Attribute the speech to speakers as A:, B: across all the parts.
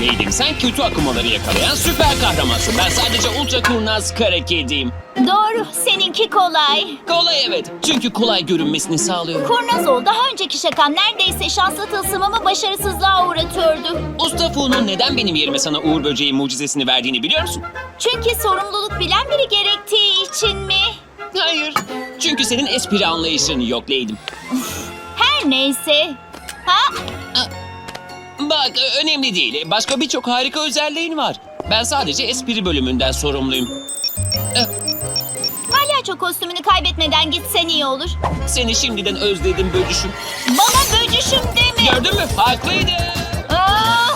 A: görmeydim. Sen kötü akımaları yakalayan süper kahramansın. Ben sadece ultra kurnaz kara kediyim.
B: Doğru, seninki kolay.
A: Kolay evet. Çünkü kolay görünmesini sağlıyor.
B: Kurnaz ol, daha önceki şakan neredeyse şanslı tılsımımı başarısızlığa uğratıyordu.
A: Usta Fu'nun neden benim yerime sana Uğur Böceği mucizesini verdiğini biliyor musun?
B: Çünkü sorumluluk bilen biri gerektiği için mi?
A: Hayır. Çünkü senin espri anlayışını yok Leydim.
B: Her neyse. Ha?
A: Bak önemli değil. Başka birçok harika özelliğin var. Ben sadece espri bölümünden sorumluyum.
B: Palyaço kostümünü kaybetmeden gitsen iyi olur.
A: Seni şimdiden özledim böcüşüm.
B: Bana böcüşüm deme.
A: Gördün mü? Haklıydı.
B: Aa!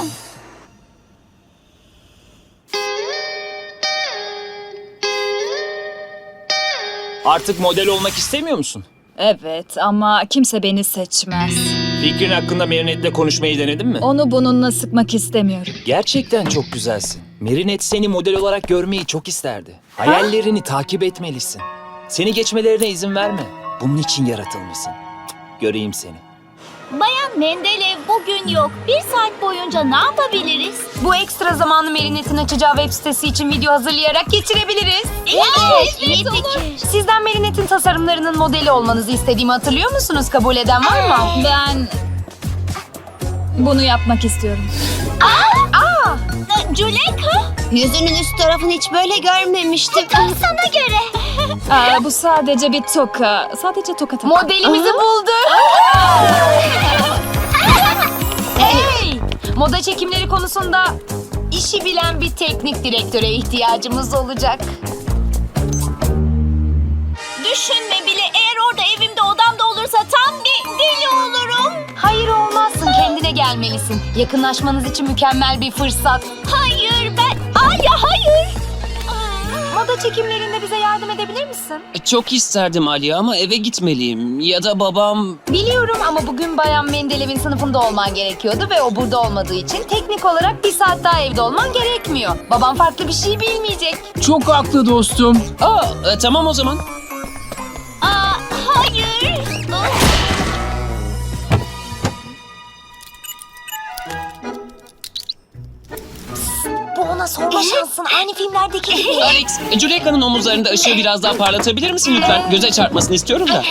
A: Artık model olmak istemiyor musun?
C: Evet ama kimse beni seçmez.
A: Fikrin hakkında Marinette'le konuşmayı denedin mi?
C: Onu bununla sıkmak istemiyorum.
D: Gerçekten çok güzelsin. Marinette seni model olarak görmeyi çok isterdi. Hayallerini takip etmelisin. Seni geçmelerine izin verme. Bunun için yaratılmışsın. Göreyim seni.
B: Bayan Mendeleev bugün yok. Bir saat boyunca ne yapabiliriz?
E: Bu ekstra zamanı Marinette'in açacağı web sitesi için video hazırlayarak geçirebiliriz.
B: Evet, iyi fikir.
E: Sizden Marinette'in tasarımlarının modeli olmanızı istediğimi hatırlıyor musunuz? Kabul eden var mı?
C: Ben bunu yapmak istiyorum.
B: Juleka?
F: Yüzünün üst tarafını hiç böyle görmemiştim.
B: Tam sana göre.
C: Bu sadece bir toka. Sadece toka tak.
E: Modelimizi bulduk. Hey! Moda çekimleri konusunda işi bilen bir teknik direktöre ihtiyacımız olacak.
B: Düşünme bile, eğer orada evimde odamda olursa tam bir deli olurum.
E: Hayır olmazsın, kendine gelmelisin. Yakınlaşmanız için mükemmel bir fırsat.
B: Hayır ben... Alya hayır.
E: Moda çekimlerinde bize yardım edebilir misin?
A: Çok isterdim Ali ama eve gitmeliyim. Ya da babam...
E: Biliyorum ama bugün Bayan Mendelev'in sınıfında olman gerekiyordu ve o burada olmadığı için teknik olarak bir saat daha evde olman gerekmiyor. Babam farklı bir şey bilmeyecek.
A: Çok haklı dostum. Tamam o zaman.
B: Hayır.
E: Bu ona sorma şansın. Aynı filmlerdeki gibi.
A: Alex, Juleka'nın omuzlarında ışığı biraz daha parlatabilir misin lütfen? Göze çarpmasını istiyorum da.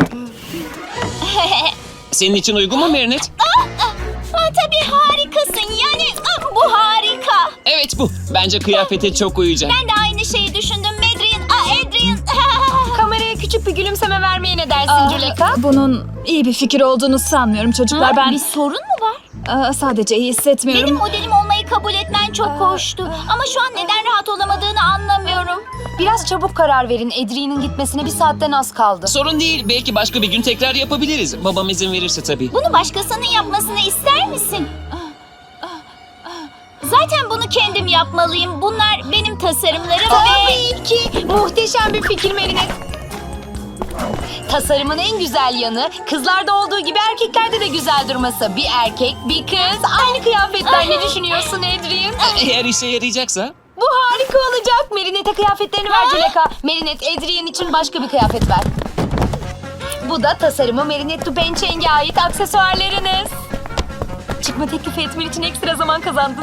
A: Senin için uygun mu Marinette?
B: Tabii harikasın. Yani bu harika.
A: Evet bu. Bence kıyafete çok uyacak.
B: Ben de aynı şeyi düşündüm. Adrian.
E: Kameraya küçük bir gülümseme vermeye ne dersin Juleka?
C: Bunun iyi bir fikir olduğunu sanmıyorum çocuklar.
B: Bir
C: Ben
B: sorun mu var?
C: sadece iyi hissetmiyorum.
B: Benim modelim olmayı kabul etmen çok hoştu. Ama şu an neden rahat olamadığını anlamıyorum.
E: Biraz çabuk karar verin. Adrian'ın gitmesine bir saatten az kaldı.
A: Sorun değil. Belki başka bir gün tekrar yapabiliriz. Babam izin verirse tabii.
B: Bunu başkasının yapmasını ister misin? Zaten bunu kendim yapmalıyım. Bunlar benim tasarımlarım
E: Tabii ki. Muhteşem bir fikir Marinette. Tasarımın en güzel yanı kızlarda olduğu gibi erkeklerde de güzel durması. Bir erkek, bir kız, aynı kıyafetler. Ne düşünüyorsun Adrian?
A: Eğer işe yarayacaksa.
E: Bu harika olacak. Marinette'e kıyafetlerini ver Juleka. Marinette, Adrian için başka bir kıyafet ver. Bu da tasarımı Marinette Dupencheng'e ait aksesuarlarınız. Çıkma teklifi etmen için ekstra zaman kazandın.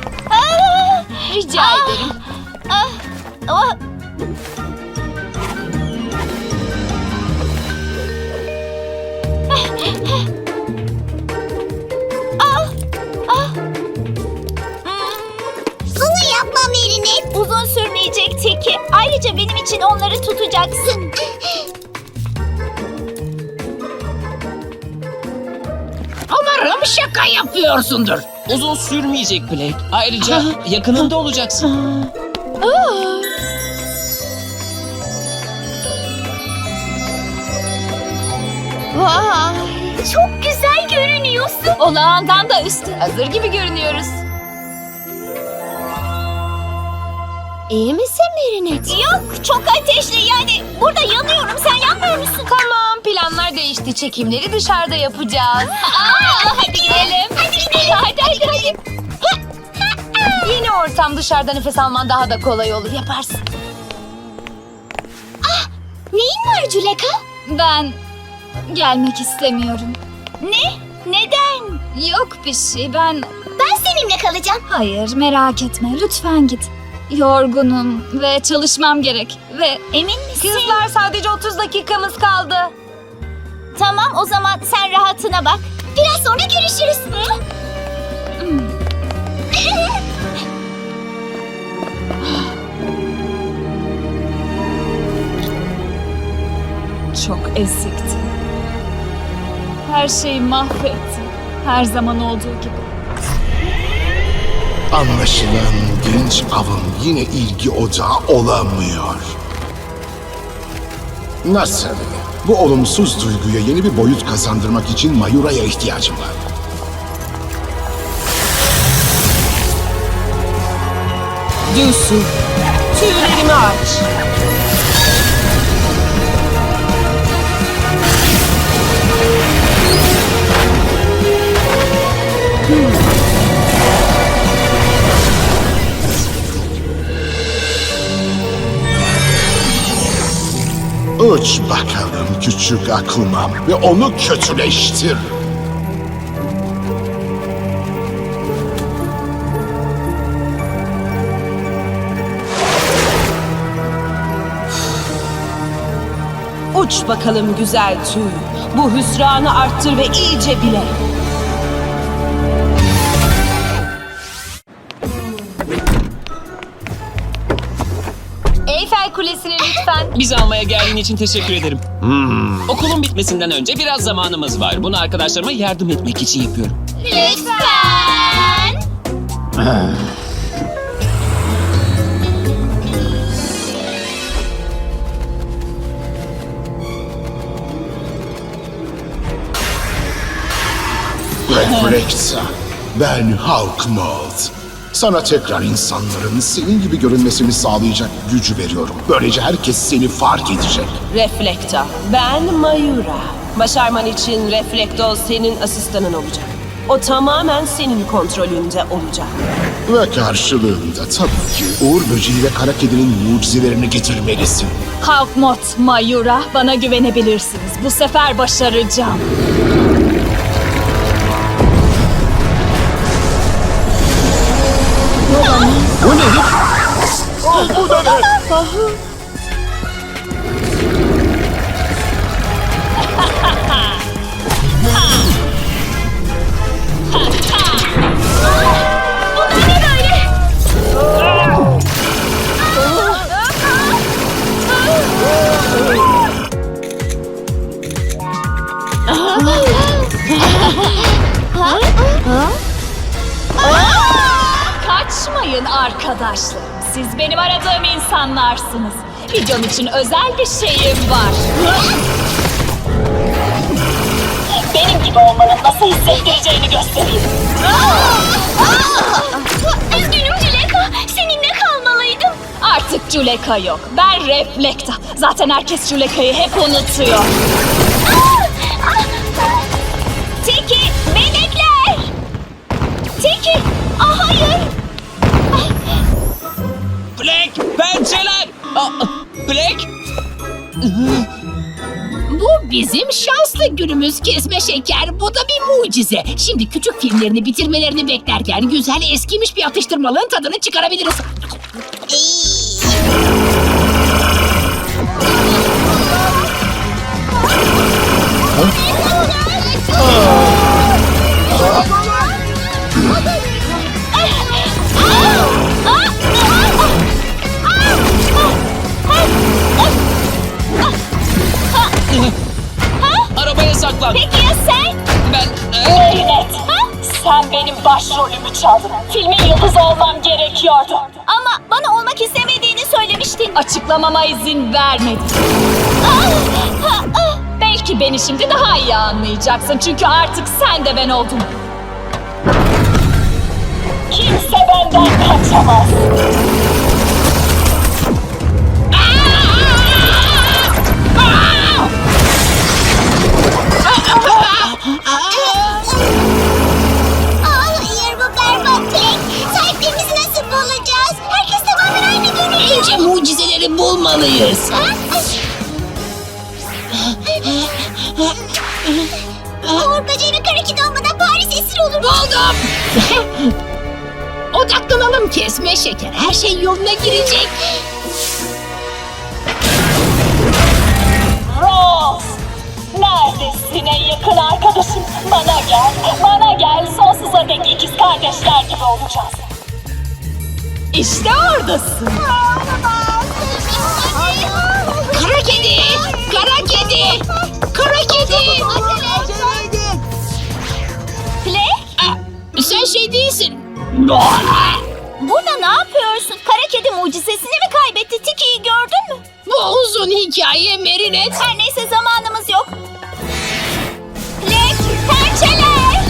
E: Rica ederim.
F: Bunu yapma Marinette.
B: Uzun sürmeyecek Teki. Ayrıca benim için onları tutacaksın.
G: Umarım şaka yapıyorsundur.
A: Uzun sürmeyecek Blake. Ayrıca yakınında olacaksın.
B: Vay, çok güzel görünüyorsun. Olağandan da üstün.
E: Hazır gibi görünüyoruz.
F: İyi misin Marinette?
B: Yok, çok ateşli. Yani burada yanıyorum. Sen yanmıyor musun?
E: Tamam, planlar değişti. Çekimleri dışarıda yapacağız.
B: Hadi gidelim. Hadi gidelim. Hadi.
E: Yeni ortam, dışarıda nefes alman daha da kolay olur. Yaparsın.
B: Neyin var Juleka?
C: Ben gelmek istemiyorum.
B: Ne? Neden?
C: Yok bir şey. Ben
B: Ben
F: seninle kalacağım.
C: Hayır, merak etme. Lütfen git. Yorgunum ve çalışmam gerek. Ve
B: Emin misin?
E: Kızlar sadece 30 dakikamız kaldı.
B: Tamam o zaman sen rahatına bak.
F: Biraz sonra görüşürüz.
C: çok ezikti. Her şeyi mahvetti. Her zaman olduğu gibi.
H: Anlaşılan genç avın yine ilgi odağı olamıyor. Nasıl? Bu olumsuz duyguya yeni bir boyut kazandırmak için Mayura'ya ihtiyacım var.
I: Düsü, tüylerimi aç.
H: Uç bakalım küçük akılmam ve onu kötüleştir.
I: Uç bakalım güzel tüy. Bu hüsranı arttır ve iyice bile.
E: Eyfel Kulesi'ni lütfen.
A: Bizi almaya geldiğin için teşekkür ederim. Okulun bitmesinden önce biraz zamanımız var. Bunu arkadaşlarıma yardım etmek için yapıyorum.
F: Lütfen.
H: Reflexa, ben Hawkmold. Sana tekrar insanların senin gibi görünmesini sağlayacak gücü veriyorum. Böylece herkes seni fark edecek.
I: Reflekta. Ben Mayura. Başarman için Reflekto senin asistanın olacak. O tamamen senin kontrolünde olacak.
H: Ve karşılığında tabii ki Uğur Böceği ve Kara Kedi'nin mucizelerini getirmelisin.
C: Hawkmoth, Mayura, bana güvenebilirsiniz. Bu sefer başaracağım.
H: Bu ne? Bu da ne?
C: Kaçmayın arkadaşlarım. Siz benim aradığım insanlarsınız. Videom için özel bir şeyim var. Benim gibi olmanın nasıl hissettireceğini göstereyim.
F: Üzgünüm Juleka. Seninle kalmalıydım.
C: Artık Juleka yok. Ben Reflekta. Zaten herkes Juleka'yı hep unutuyor.
B: Tiki, melekler! Tiki, hayır!
A: Black, pençeler! Black!
G: Bu bizim şanslı günümüz kesme şeker. Bu da bir mucize. Şimdi küçük filmlerini bitirmelerini beklerken güzel eskimiş bir atıştırmalığın tadını çıkarabiliriz.
A: Arabaya saklan.
B: Peki ya sen?
A: Ben...
C: Merinet, sen benim başrolümü çaldın. Filmin yıldızı olmam gerekiyordu.
B: Ama bana olmak istemediğini söylemiştin.
C: Açıklamama izin vermedin. Belki beni şimdi daha iyi anlayacaksın. Çünkü artık sen de ben oldun. Kimse benden kaçamaz.
F: Hayır, bu berbat Black. Sahiplerimizi nasıl bulacağız? Herkes tamamen aynı görünüyor.
G: Önce mucizeleri bulmalıyız.
F: Uğur Böceği ve Kara Kedi olmadan Paris esir olur.
G: Buldum. Odaklanalım kesme şeker. Her şey yoluna girecek.
C: Ross! Neredesin en yakın arkadaşım? Bana gel, bana gel. Sonsuza dek ikiz kardeşler gibi olacağız. İşte oradasın.
G: Kara kedi! Kara kedi! Kara kedi!
B: Plek,
G: Sen şey değilsin.
B: burada ne yapıyorsun? Kara kedi mucizesini mi kaybetti? Tiki'yi gördün mü?
G: Bu uzun hikaye Merinet.
B: Her neyse zamanımız yok. Plek, pençeler!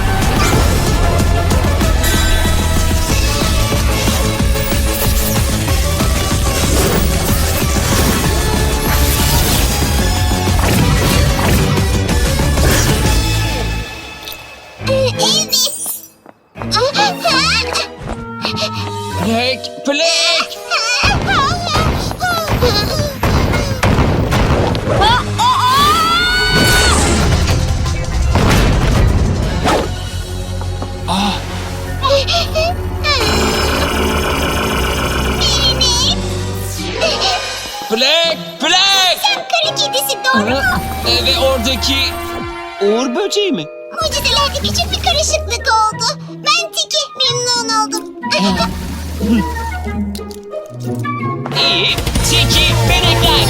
A: Plek, Plek! Plek, Plek!
F: Kara kedisi doğru mu?
A: Ve oradaki Uğur böceği mi?
F: Mucizelerde küçük bir karışıklık oldu. Ben Tiki, memnun oldum.
A: İyi, Tiki, benekler!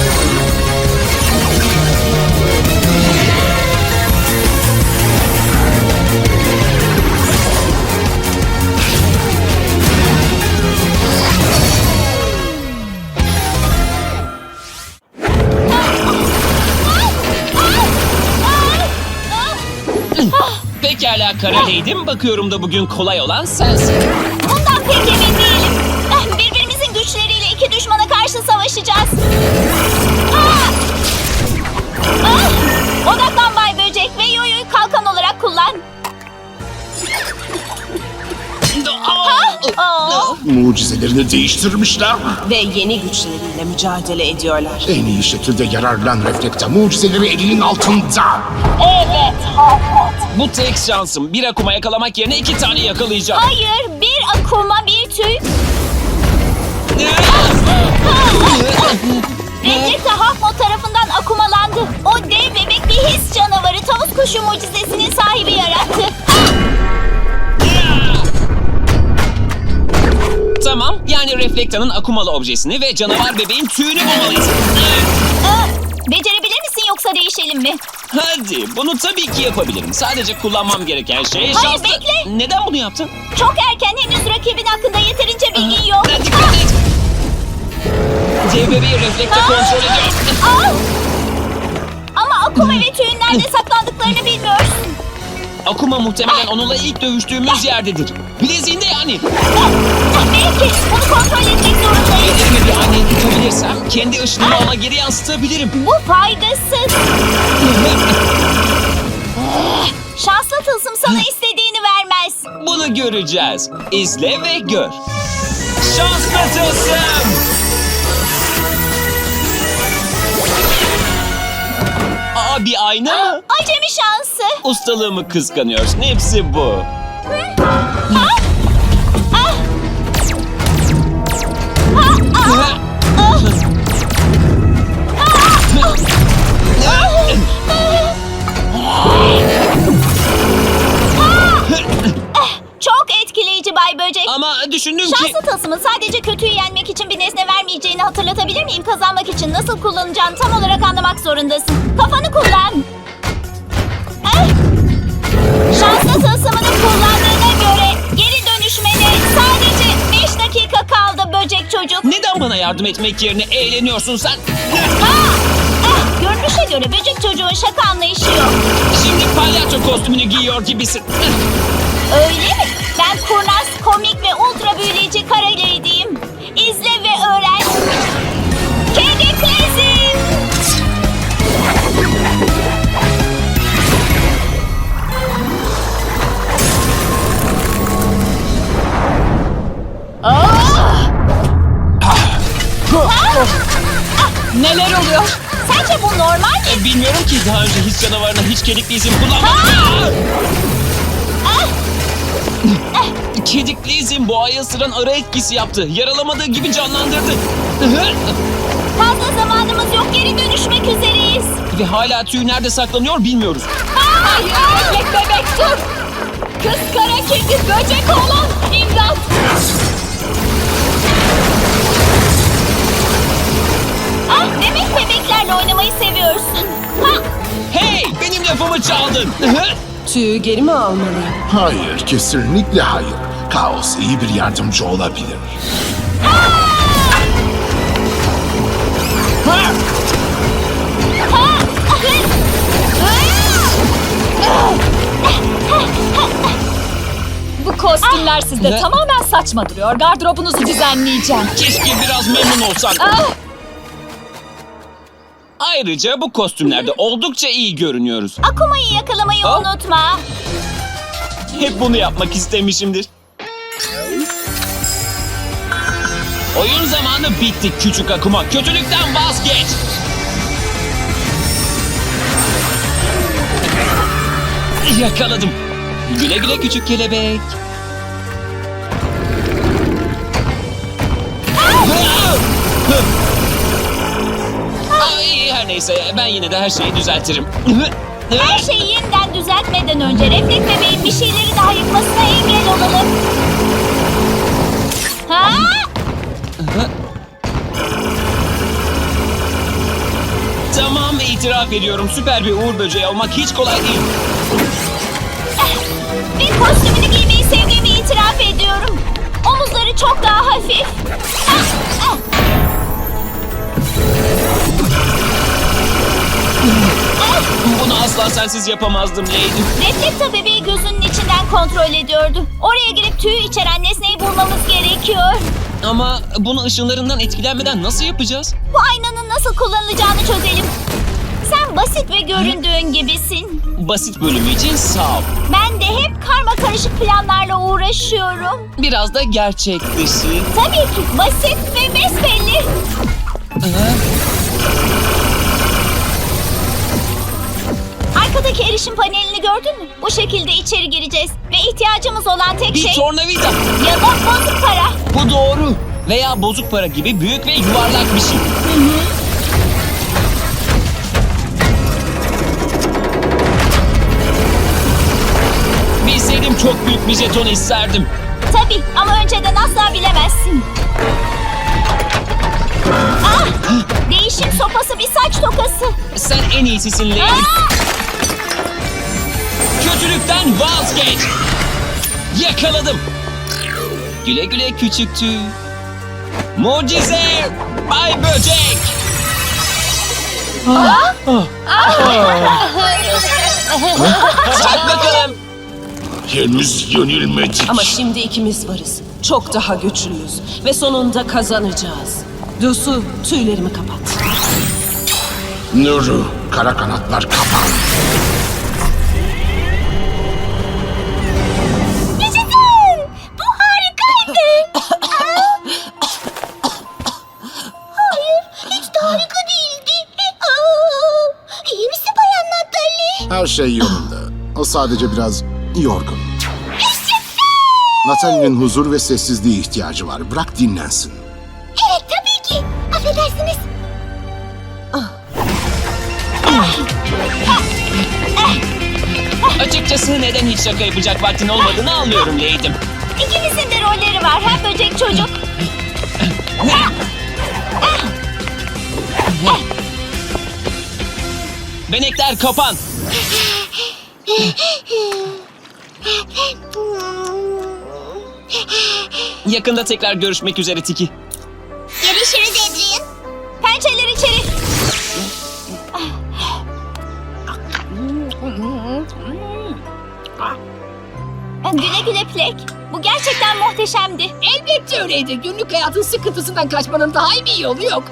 A: Pekala Kara Lady'm, bakıyorum da bugün kolay olan sensin.
B: Bundan pek emin değilim. Birbirimizin güçleriyle iki düşmana karşı savaşacağız. Odaklan Bay Böcek ve Yoyo'yu kalkan olarak kullan.
H: Mucizelerini değiştirmişler.
I: Ve yeni güçleriyle mücadele ediyorlar.
H: En iyi şekilde yararlan Reflekta. Mucizeleri elinin altında.
C: Evet, Harpot.
A: Bu tek şansım. Bir akuma yakalamak yerine 2 tane yakalayacağım.
B: Hayır, bir akuma bir tüy. Reflekta Hakmot tarafından akumalandı. O dev bebek bir his canavarı tavus kuşu mucizesinin sahibi yarattı.
A: Tamam, yani Reflekta'nın akumalı objesini ve canavar bebeğin tüyünü bulmalıyız.
B: Becerebilir misin yoksa değişelim mi?
A: Hadi, bunu tabii ki yapabilirim. Sadece kullanmam gereken şey
B: Hayır,
A: şanslı...
B: bekle.
A: Neden bunu yaptın?
B: Çok erken, henüz rakibin hakkında yeterince bilgin yok.
A: Dikkat et! Dev bebeği Reflekta kontrol ediyor.
B: Ama akuma ve tüyün nerede saklandıklarını bilmiyorsun.
A: Akuma muhtemelen onunla ilk dövüştüğümüz yerdedir. Bileziğinde yani.
B: Belki bunu kontrol etmek zorundayız.
A: Ellerimi bir aynaya tutabilirsem kendi ışınımı ona geri yansıtabilirim.
B: Bu faydasız. Şanslı tılsım sana istediğini vermez.
A: Bunu göreceğiz. İzle ve gör. Şanslı tılsım! Aa, bir ayna mı?
B: Acemi şansı.
A: Ustalığımı kıskanıyorsun. Hepsi bu.
B: Çok etkileyici Bay Böcek.
A: Ama düşündüm ki...
B: Şanslı tılsımın sadece kötüyü yenmek için bir nesne vermeyeceğini hatırlatabilir miyim? Kazanmak için nasıl kullanacağını tam olarak anlamak zorundasın. Kafanı kullan. Şanslı tılsımını kullandığına göre geri dönüşmene sadece 5 dakika kaldı böcek çocuk.
A: Neden bana yardım etmek yerine eğleniyorsun sen?
B: Görünüşe göre böcek çocuğun şaka anlayışı yok.
A: Şimdi palyaço kostümünü giyiyor gibisin.
B: Öyle mi? Ben kurnaz, komik ve ultra büyüleyici Kara Lady'yim. İzle ve öğren. Kediklezim.
C: Neler oluyor?
B: Sence bu normal mi?
A: Bilmiyorum ki daha önce his canavarına hiç kedikli isim kullanmadım. Kedikli izin boğayı ısıran ara etkisi yaptı. Yaralamadığı gibi canlandırdı.
B: Fazla zamanımız yok. Geri dönüşmek üzereyiz.
A: Ve hala tüy nerede saklanıyor bilmiyoruz.
B: Hayır, bebek bebek dur. Kız kara kedi böcek oğlan. İmdat. Ah, demek bebeklerle oynamayı seviyorsun. Ha.
A: Hey! Benim lafımı çaldın.
I: Tüyü geri mi almalıyım?
H: Hayır, kesinlikle hayır. Kaos iyi bir yardımcı olabilir.
B: Bu kostümler sizde
A: Ne?
B: tamamen saçma duruyor. Gardırobunuzu düzenleyeceğim.
A: Keşke biraz memnun olsan.
B: Ah,
A: Ayrıca bu kostümlerde oldukça iyi görünüyoruz.
B: Akuma'yı yakalamayı
A: Ah.
B: unutma.
A: Hep bunu yapmak istemişimdir. Oyun zamanı bitti küçük Akuma. Kötülükten vazgeç. Yakaladım. Güle güle küçük kelebek. Ay, her neyse ben yine de her şeyi düzeltirim.
B: Her şeyi yeniden düzeltmeden önce Reflek bebeğin bir şeyleri daha yıkmasına engel olalım. Ha?
A: Tamam, itiraf ediyorum. Süper bir uğur böceği olmak hiç kolay değil.
B: Bir kostümünü giymeyi sevdiğimi itiraf ediyorum. Omuzları çok daha hafif. Ah, ah.
A: Bunu asla sensiz yapamazdım Lady.
B: Reflekta bebeği gözünün içinden kontrol ediyordu. Oraya girip tüyü içeren nesneyi bulmamız gerekiyor.
A: Ama bunu ışınlarından etkilenmeden nasıl yapacağız?
B: Bu aynanın nasıl kullanılacağını çözelim. Sen basit ve göründüğün gibisin.
A: Basit bölümü için sağ ol.
B: Ben de hep karma karışık planlarla uğraşıyorum.
A: Biraz da gerçek dışı.
B: Tabii ki basit ve besbelli. Arkadaki erişim panelini gördün mü? Bu şekilde içeri gireceğiz. Ve ihtiyacımız olan tek
A: Bir
B: şey
A: tornavida.
B: ya da bozuk para.
A: Bu doğru. Veya bozuk para gibi büyük ve yuvarlak bir şey. Bilseydim çok büyük bir jeton isterdim.
B: Tabii ama önceden asla bilemezsin. Ah! Değişim sopası bir saç tokası.
A: Sen en iyisisin Lady.
B: Ah!
A: Kötülükten vazgeç. Yakaladım. Güle güle küçük tüy. Mucize Bay Böcek. Çak bakalım.
H: Henüz yenilmedik.
I: Ama şimdi ikimiz varız. Çok daha güçlüyüz. Ve sonunda kazanacağız. Dusu, tüylerimi kapat.
H: Nuru, kara kanatlar kapan.
B: Yaşasın! Bu harikaydı.
F: Hayır, hiç de harika değildi. İyi misin Bayan Natalie?
H: Her şey yolunda. O sadece biraz yorgun. Natalie'nin huzur ve sessizliğe ihtiyacı var. Bırak dinlensin.
F: Evet, tabii ki. Affedersiniz.
A: Açıkçası neden hiç şaka yapacak vaktin olmadığını anlıyorum Lady'm.
B: İkimizin de rolleri var. Hem böcek çocuk.
A: Benekler kapan. Yakında tekrar görüşmek üzere Tiki.
F: Görüşürüz Adrian.
B: Pençeler içeri. Güle güle Plek. Bu gerçekten muhteşemdi.
G: Elbette öyleydi. Günlük hayatın sıkıntısından kaçmanın daha iyi bir yolu yok.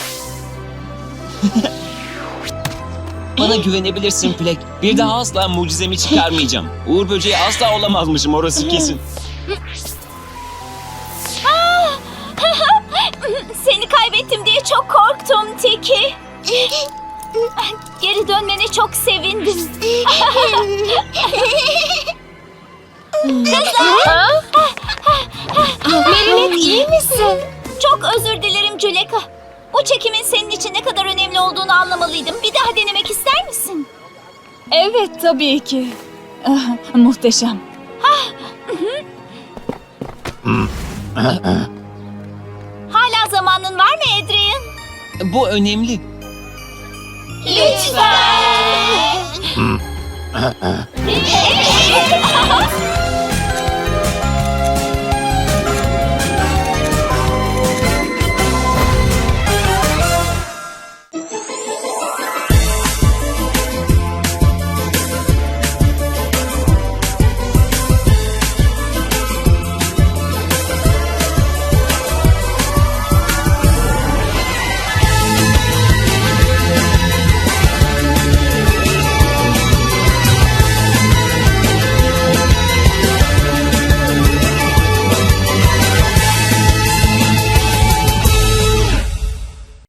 A: Bana güvenebilirsin Plek. Bir daha asla mucizemi çıkarmayacağım. Uğur böceği asla olamazmışım, orası kesin.
B: Seni kaybettim diye çok korktum Tiki. Geri dönmene çok sevindim. Kızlar! Çok özür dilerim Juleka. Bu çekimin senin için ne kadar önemli olduğunu anlamalıydım. Bir daha denemek ister misin?
J: Evet tabii ki. Muhteşem.
B: Hala zamanın var mı Adrian?
A: Bu önemli.
B: Lütfen.